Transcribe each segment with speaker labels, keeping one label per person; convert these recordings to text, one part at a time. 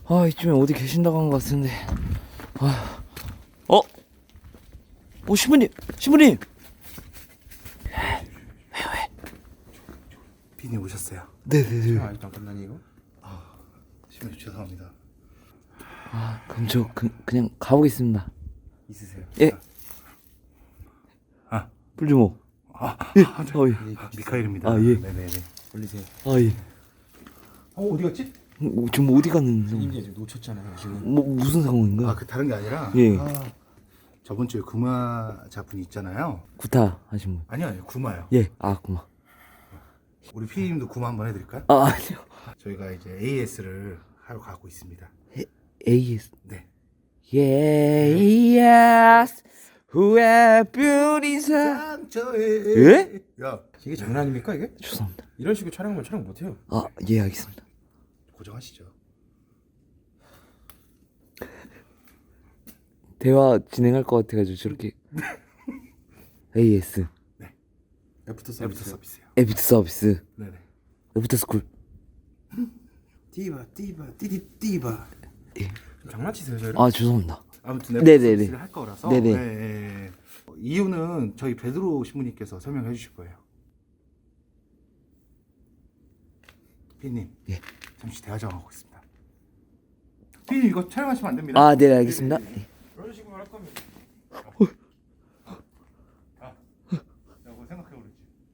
Speaker 1: 아, 이쯤에 어디 계신다고 한 것 같은데. 아, 어? 신부님! 신부님! 왜?
Speaker 2: 비님 오셨어요.
Speaker 1: 네네네.
Speaker 3: 아직도 안 끝나니 이거?
Speaker 2: 신부님 죄송합니다.
Speaker 1: 아, 그럼 저 그냥 가보겠습니다.
Speaker 3: 있으세요?
Speaker 1: 예.
Speaker 2: 아.
Speaker 1: 불주모.
Speaker 2: 예.
Speaker 1: 예.
Speaker 2: 미카엘입니다.
Speaker 1: 아, 예.
Speaker 2: 네네네.
Speaker 3: 올리세요.
Speaker 1: 아, 예.
Speaker 2: 어디 갔지?
Speaker 1: 지금 어디 갔는지.
Speaker 3: 이제 지금 놓쳤잖아요 지금.
Speaker 1: 무슨 상황인가?
Speaker 2: 그 다른 게 아니라
Speaker 1: 예.
Speaker 2: 저번 주에 구마자분이 있잖아요.
Speaker 1: 구타 하신 분.
Speaker 2: 아니요 구마요.
Speaker 1: 예. 아, 구마.
Speaker 2: 우리 피디님도 구마 한번 해드릴까요?
Speaker 1: 아, 아니요.
Speaker 2: 저희가 이제 AS를 하러 가고 있습니다.
Speaker 1: AS.
Speaker 2: 네.
Speaker 1: Yes. 후회 뷰리
Speaker 2: 상처에.
Speaker 1: 예?
Speaker 2: 야
Speaker 3: 이게 장난 아닙니까 이게?
Speaker 1: 죄송합니다.
Speaker 3: 이런 식으로 촬영하면 촬영 못해요.
Speaker 1: 아, 예, 알겠습니다.
Speaker 2: 고정하시죠.
Speaker 1: 대화 진행할 것 같아가지고 저렇게. AS.
Speaker 3: 애프터
Speaker 2: 애프터
Speaker 3: 서비스.
Speaker 2: 서비스요.
Speaker 1: 애프터 서비스.
Speaker 2: 네네.
Speaker 1: 애프터 스쿨.
Speaker 3: 띠바 띠바. 좀 장난치세요 저를?
Speaker 1: 아, 죄송합니다.
Speaker 2: 아무튼
Speaker 1: 네네네.
Speaker 2: 애프터 서비스를 할 거라서.
Speaker 1: 네네.
Speaker 2: 네. 이유는 저희 베드로 신부님께서 설명해 주실 거예요. 피디님.
Speaker 1: 예.
Speaker 2: 잠시 대화 좀 하고 있습니다. 피디님 이거 촬영하시면 안 됩니다.
Speaker 1: 아, 네, 알겠습니다.
Speaker 3: 이런 식으로 할 거면
Speaker 2: 뭐 생각해 오랬지.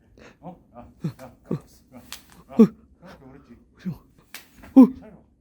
Speaker 2: 생각해 오랬지.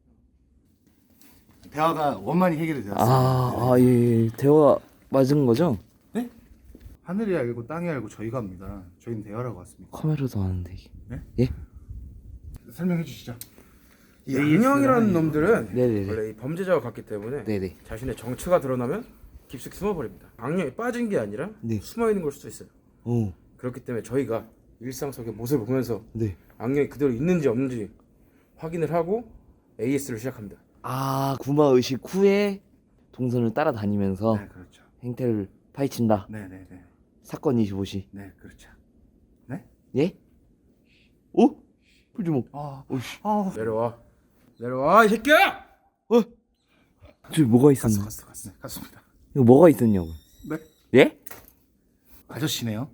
Speaker 2: 대화가 원만히 해결이 되었습니다.
Speaker 1: 아, 예. 대화 맞은 거죠?
Speaker 2: 네? 하늘이 알고 땅이 알고 저희가 합니다. 저희는 대화라고 왔습니다.
Speaker 1: 카메라도 아는데 이게.
Speaker 2: 네?
Speaker 1: 예?
Speaker 2: 설명해 주시죠.
Speaker 3: 이 악령이라는 놈들은
Speaker 1: 네네네.
Speaker 3: 원래 이 범죄자와 같기 때문에
Speaker 1: 네네.
Speaker 3: 자신의 정체가 드러나면 깊숙이 숨어버립니다. 악령이 빠진 게 아니라
Speaker 1: 네.
Speaker 3: 숨어있는 걸 수도 있어요.
Speaker 1: 오.
Speaker 3: 그렇기 때문에 저희가 일상 속의 모습을 보면서
Speaker 1: 네.
Speaker 3: 악령이 그대로 있는지 없는지 확인을 하고 AS를 시작합니다.
Speaker 1: 아, 구마 의식 후에 동선을 따라다니면서
Speaker 2: 네, 그렇죠.
Speaker 1: 행태를 파헤친다.
Speaker 2: 네, 네, 네.
Speaker 1: 사건 25시.
Speaker 2: 네, 그렇죠. 네?
Speaker 1: 예? 오? 불주목.
Speaker 2: 오씨.
Speaker 3: 내려와 이 새끼야!
Speaker 1: 저기 뭐가 있었나?
Speaker 2: 갔어. 네, 갔습니다.
Speaker 1: 이거 뭐가 있었냐고.
Speaker 2: 네.
Speaker 1: 예?
Speaker 2: 아저씨네요.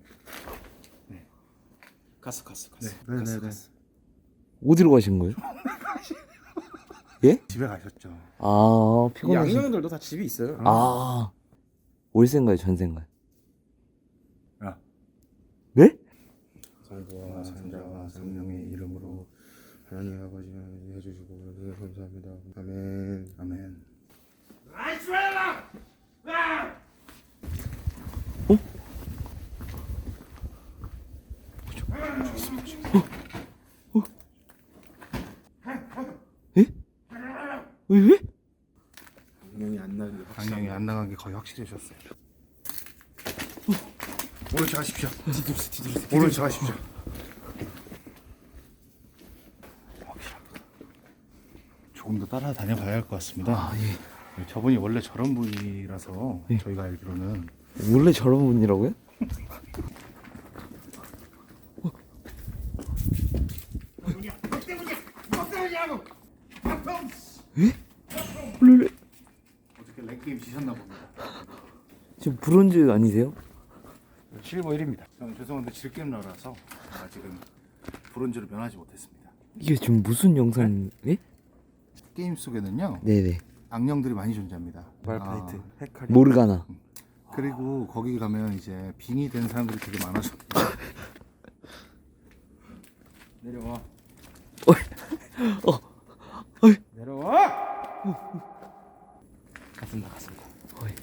Speaker 3: 갔어.
Speaker 2: 네, 네, 네.
Speaker 1: 어디로 가신 거예요? 예?
Speaker 2: 집에 가셨죠.
Speaker 1: 아,
Speaker 3: 이
Speaker 1: 피곤하시.
Speaker 3: 악령들도 다 집이 있어요.
Speaker 1: 아, 월세인가요, 전세인가요?
Speaker 2: 야.
Speaker 1: 네?
Speaker 3: 성부와
Speaker 2: 성자와 성령의 이름으로
Speaker 3: 하나님 아버지 해주시고 네, 감사합니다. 아멘.
Speaker 2: 아멘.
Speaker 1: 왜?
Speaker 3: 악령이 안 나는 게
Speaker 2: 강령이 안 나간 게 거의 확실해졌어요. 오른쪽 가십시오. 오른쪽 가십시오. 조금 더 따라다녀 봐야 할 것 같습니다.
Speaker 1: 아, 예.
Speaker 2: 저분이 원래 저런 분이라서
Speaker 1: 예.
Speaker 2: 저희가 알기로는
Speaker 1: 원래 저런 분이라고요? 예? 원래
Speaker 2: 어떻게 랭게임 지셨나 봅니다.
Speaker 1: 지금 브론즈 아니세요?
Speaker 2: 실버 1입니다. 저는 죄송한데 질겜러라서 아직은 브론즈를 면하지 못했습니다.
Speaker 1: 이게 지금 무슨 영상? 예?
Speaker 2: 게임 속에는요
Speaker 1: 네네.
Speaker 2: 악령들이 많이 존재합니다.
Speaker 3: 말파이트
Speaker 2: 아,
Speaker 3: 헤카리
Speaker 1: 모르가나.
Speaker 2: 그리고 거기 가면 이제 빙이 된 사람들이 되게 많아서
Speaker 3: 내려와.
Speaker 1: 어이.
Speaker 3: 내려와.
Speaker 1: 갔습니다. 어이.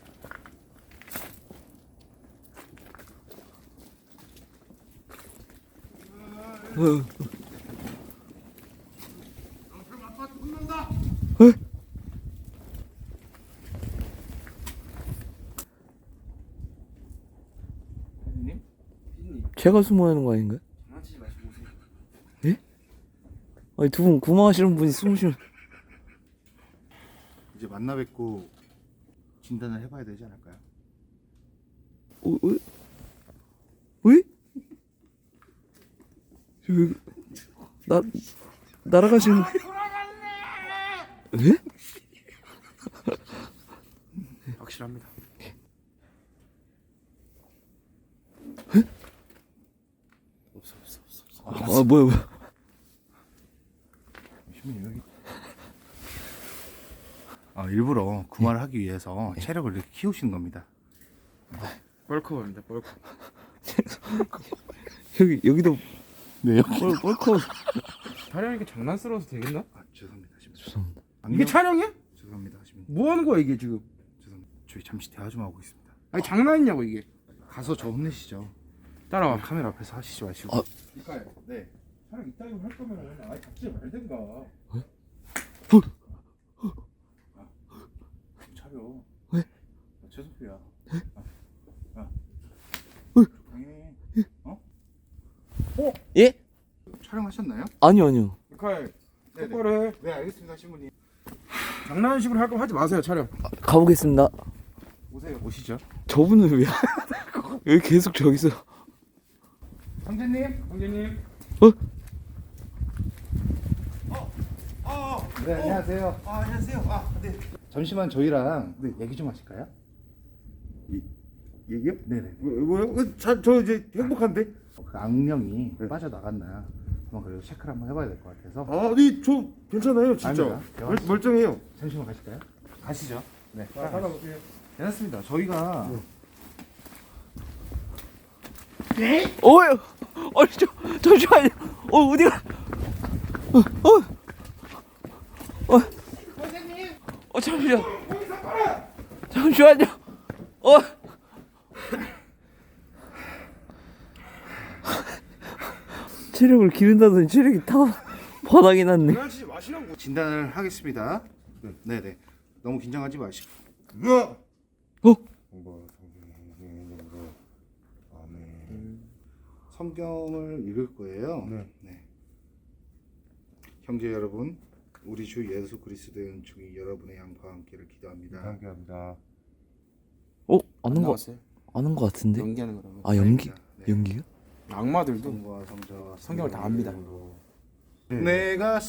Speaker 2: 피디님?
Speaker 1: 제가 숨어야 하는 거 아닌가요?
Speaker 3: 장난치지 마시고 오세요.
Speaker 1: 예? 아니, 두 분 구마하시는 분이 숨으시면.
Speaker 2: 이제 만나 뵙고 진단을 해봐야 되지 않을까요?
Speaker 1: 왜? 왜? 나 날아가시는. 예?
Speaker 3: 확실합니다.
Speaker 1: 아 뭐야.
Speaker 2: 신부님 여기. 일부러 구마를 하기 위해서 체력을 이렇게 키우시는 겁니다.
Speaker 3: 뻘컵입니다. 뻘컵.
Speaker 1: 여기도
Speaker 2: 네.
Speaker 1: 뻘컵.
Speaker 3: 촬영이 장난스러워서 되겠나?
Speaker 2: 죄송합니다. 신부님.
Speaker 1: 죄송합니다.
Speaker 3: 이게 촬영이야?
Speaker 2: 죄송합니다. 신부님.
Speaker 3: 뭐 하는 거야 이게 지금?
Speaker 2: 죄송합니다. 저희 잠시 대화 좀 하고 있습니다.
Speaker 3: 아니 장난이냐고 이게.
Speaker 2: 가서 저 혼내시죠.
Speaker 3: 따라와.
Speaker 2: 카메라 앞에서 하시지 마시고.
Speaker 1: 아.
Speaker 2: 네.
Speaker 3: 촬영 이따위로 할 거면 아예 잡지 말든가.
Speaker 2: 차려.
Speaker 1: 왜?
Speaker 2: 최소피야.
Speaker 1: 예?
Speaker 2: 촬영하셨나요?
Speaker 1: 아니요.
Speaker 3: 미카엘
Speaker 2: 네네.
Speaker 3: 똑바로 해.
Speaker 2: 네, 알겠습니다, 신부님.
Speaker 3: 장난식으로 할 거면 하지 마세요 촬영.
Speaker 1: 가보겠습니다.
Speaker 2: 오세요. 오시죠.
Speaker 1: 저분은 왜 여기 계속 저기서.
Speaker 2: 형제님.
Speaker 3: 형제님.
Speaker 2: 네, 안녕하세요.
Speaker 4: 안녕하세요. 네.
Speaker 2: 잠시만 저희랑 얘기 좀 하실까요?
Speaker 4: 얘기요?
Speaker 2: 네네.
Speaker 4: 뭐요? 저 이제 행복한데?
Speaker 2: 그 악령이 빠져나갔나 한번 그래도 체크를 한번 해봐야 될 것 같아서.
Speaker 4: 아니 저 괜찮아요 진짜.
Speaker 2: 아닙니다.
Speaker 4: 멀쩡해요.
Speaker 2: 잠시만 가실까요? 가시죠. 네.
Speaker 3: 따라오세요.
Speaker 2: 괜찮습니다. 저희가
Speaker 1: 어휴. 잠시만요. 어디가? 잠시만요. 잠시만요. 체력을 기른다더니 체력이 다 바닥이 났네.
Speaker 3: 장난치지 마시라고.
Speaker 2: 진단을 하겠습니다. 네네. 너무 긴장하지 마시고.
Speaker 4: 야.
Speaker 1: 어?
Speaker 2: 성경을 읽을 거예요.
Speaker 4: 네.
Speaker 2: 형제 여러분, 우리 주 예수 그리스도의 은총이 여러분의 양과 함께를 기도합니다.
Speaker 4: 감사합니다.
Speaker 1: 아는 거
Speaker 3: 나왔어요?
Speaker 1: 아는 거 같은데?
Speaker 3: 연기하는 거라고.
Speaker 1: 아 연기?
Speaker 2: 네.
Speaker 1: 연기요?
Speaker 3: 악마들도
Speaker 2: 성부와 성자와
Speaker 3: 성경을 다 압니다.
Speaker 2: 내가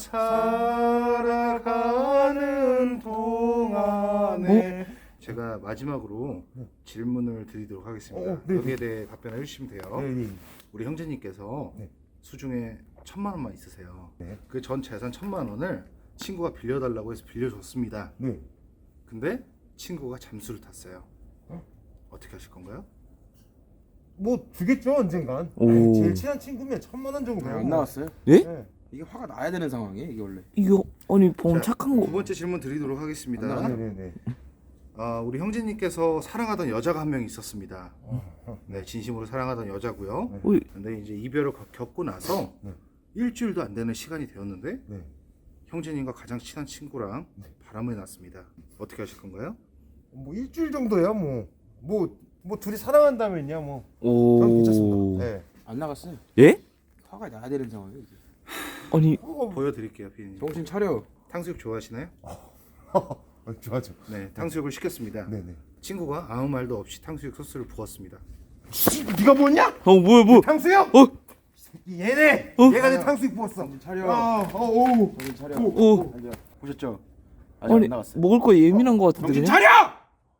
Speaker 2: 살아가는 동안에 제가 마지막으로 질문을 드리도록 하겠습니다.
Speaker 4: 네.
Speaker 2: 여기에 대해 답변해 주시면 돼요.
Speaker 4: 네.
Speaker 2: 우리 형제님께서
Speaker 4: 네.
Speaker 2: 수중에 1,000만 원만 있으세요.
Speaker 4: 네.
Speaker 2: 그 전 재산 1,000만 원을 친구가 빌려달라고 해서 빌려줬습니다.
Speaker 4: 네.
Speaker 2: 근데 친구가 잠수를 탔어요. 어떻게 하실 건가요?
Speaker 4: 뭐 주겠죠 언젠간.
Speaker 1: 오.
Speaker 4: 에이, 제일 친한 친구면 1,000만 원 정도.
Speaker 3: 안 나왔어요?
Speaker 1: 예?
Speaker 4: 네.
Speaker 3: 이게 화가 나야 되는 상황이에요 이게 원래.
Speaker 1: 이거 아니 보면
Speaker 2: 자,
Speaker 1: 착한
Speaker 2: 두
Speaker 1: 거.
Speaker 2: 번째 질문 드리도록 하겠습니다.
Speaker 4: 네네네.
Speaker 2: 우리 형제님께서 사랑하던 여자가 한 명 있었습니다. 네, 진심으로 사랑하던 여자고요.
Speaker 1: 어이,
Speaker 2: 근데 이제 이별을 겪고 나서
Speaker 4: 네.
Speaker 2: 일주일도 안 되는 시간이 되었는데
Speaker 4: 네.
Speaker 2: 형제님과 가장 친한 친구랑 바람이 났습니다. 어떻게 하실 건가요?
Speaker 4: 뭐 일주일 정도야 뭐 둘이 사랑한다면야 뭐.
Speaker 1: 오.
Speaker 4: 저는 괜찮습니다. 네.
Speaker 3: 안 나갔어요.
Speaker 1: 예?
Speaker 3: 화가 나야 되는 상황이에요 이게.
Speaker 1: 아니
Speaker 2: 보여드릴게요, 피디님.
Speaker 3: 정신 차려.
Speaker 2: 탕수육 좋아하시나요?
Speaker 4: 좋아죠.
Speaker 2: 네, 탕수육을 시켰습니다.
Speaker 4: 네네.
Speaker 2: 친구가 아무 말도 없이 탕수육 소스를 부었습니다.
Speaker 4: 네가 뭐냐?
Speaker 1: 뭐?
Speaker 4: 탕수육?
Speaker 1: 어?
Speaker 4: 얘네. 얘가 내 탕수육 부었어.
Speaker 3: 정신 차려.
Speaker 4: 오.
Speaker 3: 정신 차려.
Speaker 1: 오.
Speaker 3: 앉아.
Speaker 2: 보셨죠?
Speaker 3: 아직
Speaker 1: 아니
Speaker 3: 안 나갔어요.
Speaker 1: 먹을 거 예민한 거 같은데
Speaker 3: 정신
Speaker 1: 그냥?
Speaker 3: 차려!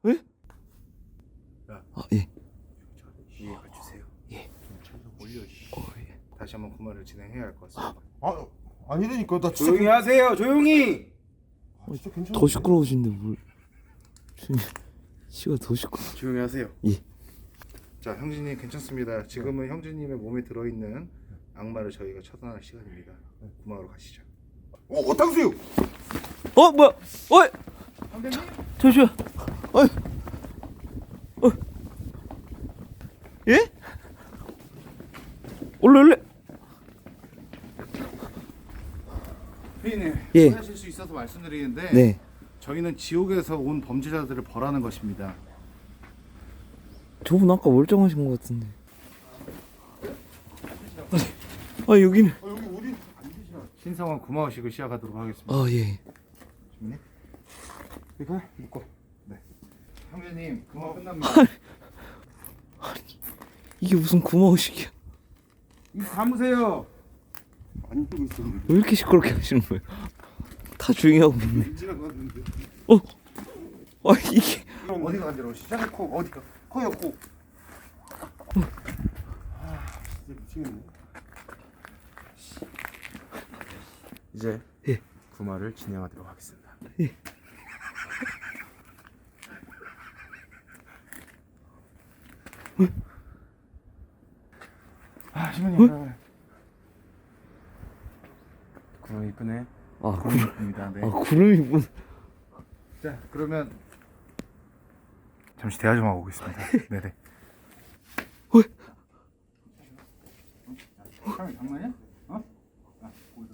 Speaker 1: 아 예.
Speaker 2: 이해가 주세요.
Speaker 1: 예.
Speaker 2: 올려. 다시 한번 구마를 진행해야 할 것 같습니다.
Speaker 4: 아니라니까 나 진짜
Speaker 3: 조용히 하세요. 조용히.
Speaker 4: 진짜 괜찮아.
Speaker 1: 더 시끄러우신데 뭘? 씨가 더 시끄러.
Speaker 2: 조용히 하세요.
Speaker 1: 예.
Speaker 2: 자, 형제님 괜찮습니다. 지금은 형제님의 몸에 들어있는 악마를 저희가 처단할 시간입니다. 구마로 가시죠.
Speaker 4: 오 탕수육.
Speaker 1: 뭐야? 어이. 잠시만. 예? 올래.
Speaker 2: 피디님,
Speaker 1: 예.
Speaker 2: 하실 수 있어서 말씀드리는데
Speaker 1: 네.
Speaker 2: 저희는 지옥에서 온 범죄자들을 벌하는 것입니다.
Speaker 1: 저분 아까 멀쩡하신 것 같은데. 아니 여기는.
Speaker 4: 여기 우리
Speaker 2: 신성한 구마의식을 시작하도록 하겠습니다.
Speaker 1: 아 예.
Speaker 2: 주민님?
Speaker 3: 이거 묶어.
Speaker 2: 형제님, 구마 끝납니다.
Speaker 1: 이게 무슨 구마의식이야?
Speaker 3: 입 감으세요.
Speaker 4: 안 뜨고 있어.
Speaker 1: 왜 이렇게 시끄럽게 하시는 거예요? 다 조용히 하고 있네.
Speaker 4: 지나갔는데.
Speaker 1: 아 이게
Speaker 2: 어디가 간지러우시죠? 코 어디가? 코요 코.
Speaker 4: 진짜 미치겠네.
Speaker 3: 이제
Speaker 1: 예.
Speaker 3: 구마를 진행하도록 하겠습니다.
Speaker 2: 신부님.
Speaker 3: 구마 이쁘네.
Speaker 1: 아
Speaker 2: 구름입니다. 네.
Speaker 1: 구름이 뭐
Speaker 2: 자 그러면 잠시 대화 좀 하고 오겠습니다. 네네. 사람이 장난이야? 어? 아,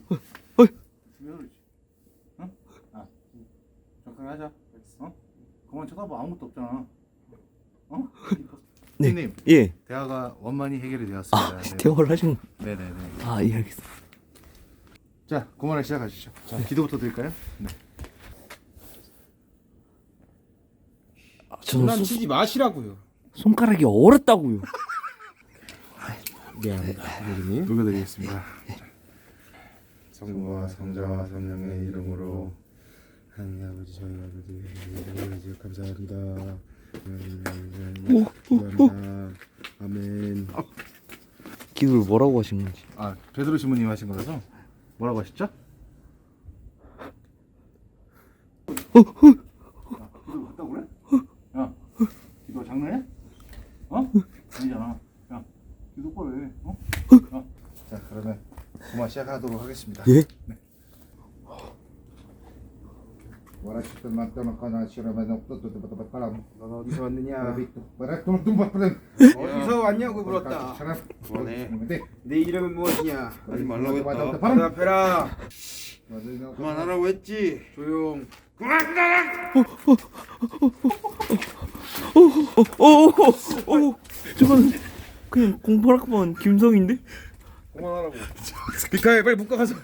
Speaker 2: 어? 아, 적당히 하자. 어? 그만 쳐다봐. 아무것도 없잖아. 어?
Speaker 1: 네.
Speaker 2: 선생님,
Speaker 1: 예.
Speaker 2: 대화가 원만히 해결이 되었습니다. 네.
Speaker 1: 대화를 하신
Speaker 2: 네네네.
Speaker 1: 예 알겠습니다.
Speaker 2: 자, 그만을 시작하시죠. 자, 기도부터 드릴까요? 네.
Speaker 1: 저는
Speaker 3: 장난치지 마시라고요.
Speaker 1: 손가락이 얼었다고요.
Speaker 3: 미안합니다. 선생님.
Speaker 2: 녹여드리겠습니다.
Speaker 3: 성부와 성자와 성령의 이름으로 하나님 아버지 저희 아버지 감사합니다. 감사합니다. 아멘.
Speaker 1: 기도를 뭐라고 하신 건지.
Speaker 2: 아, 베드로 신부님 하신 거라서 뭐라고 하셨죠? 기도 갔다 그래? 야, 기도 장난해? 어? 아니잖아. 야, 기도 똑바로 해. 어? 자, 그러면 그만 시작하도록 하겠습니다.
Speaker 1: 예?
Speaker 3: 넌 어디서 왔느냐?
Speaker 2: 어디서
Speaker 3: 왔냐고 물었다.
Speaker 2: 그만해.
Speaker 3: 내 이름은 무엇이냐?
Speaker 2: 하지 말라고 했다.
Speaker 3: 대답해라.
Speaker 2: 그만하라고 했지.
Speaker 3: 조용.
Speaker 1: 저건 그냥 공부학번 김성인데?
Speaker 3: 미카엘 빨리 묶어 가서.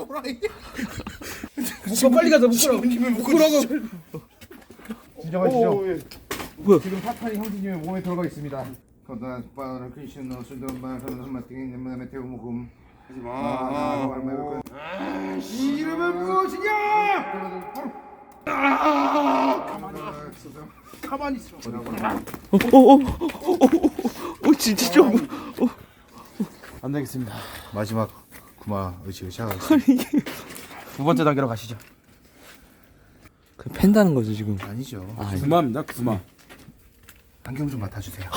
Speaker 3: 묶어 빨리 가서 묶으라고. 묶으라고.
Speaker 2: 진정하시죠.
Speaker 1: 뭐야?
Speaker 2: 지금 사탄이 형제님의 몸에 들어가 있습니다. 거다 빠른 크리스천너 순전 말 그런 한마디 내면에 태우 먹음. 하지 마.
Speaker 3: 이 이름은 무엇이냐?
Speaker 2: 가만히 있어.
Speaker 1: 진짜 좀.
Speaker 3: 안 되겠습니다.
Speaker 2: 마지막 구마 의식하겠습니다.
Speaker 3: 두 번째 단계로 가시죠.
Speaker 1: 그 팬다는 거죠 지금.
Speaker 2: 아니죠.
Speaker 3: 구마입니다. 구마.
Speaker 2: 안경 좀 맡아주세요.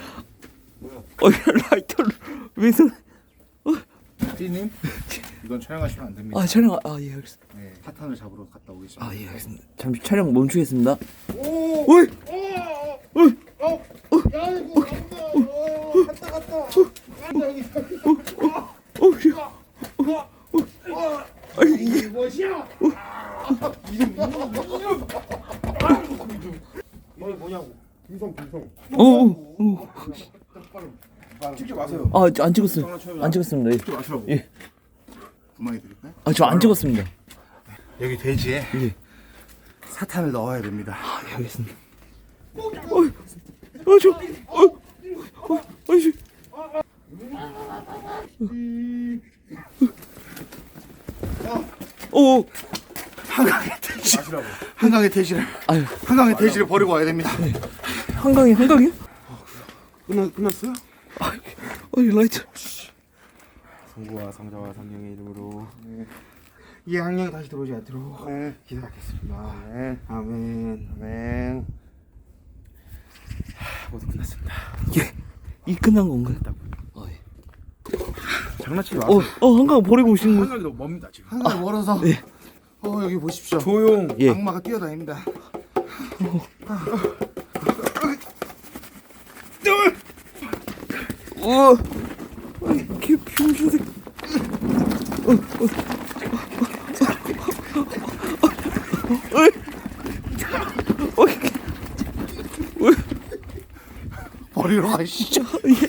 Speaker 1: 라이터를 왜 손?
Speaker 2: 띠님, 이건 촬영하시면 안 됩니다.
Speaker 1: 촬영 예 알겠습니다.
Speaker 2: 네, 사탄을 잡으러 갔다 오겠습니다.
Speaker 1: 예 알겠습니다. 잠시 촬영 멈추겠습니다.
Speaker 3: 이게 뭐냐고?
Speaker 4: 김성.
Speaker 3: 찍지 마세요.
Speaker 1: 안 찍었어요. 안 찍었습니다.
Speaker 3: 찍지 마시라고.
Speaker 1: 예.
Speaker 2: 구마에 드릴까요?
Speaker 1: 저 안 찍었습니다.
Speaker 2: 여기 돼지에
Speaker 1: 예.
Speaker 2: 사탄을 넣어야 됩니다.
Speaker 1: 예 알겠습니다.
Speaker 2: 한강의 돼지.
Speaker 3: 마시라고.
Speaker 2: 한강의 돼지를
Speaker 1: 아유
Speaker 2: 한강의 돼지를 버리고 와야 됩니다.
Speaker 1: 한강이요?
Speaker 3: 끝났어요?
Speaker 1: 라이터.
Speaker 3: 성부와 성자와 성령의 이름으로 이 학령이 다시 들어오지 않도록 기도하겠습니다. 아멘. 모두 끝났습니다.
Speaker 1: 이 끝난 건가요?
Speaker 3: 장난치지 마세요.
Speaker 1: 한강 버리고 오신 거.
Speaker 3: 한강이 너무 멉니다 지금.
Speaker 2: 한강이 멀어서. 여기 보십시오.
Speaker 3: 조용.
Speaker 1: 예.
Speaker 2: 악마가 뛰어다닙니다.
Speaker 1: 개 병신색.
Speaker 2: 버리러 가시죠.
Speaker 1: 예.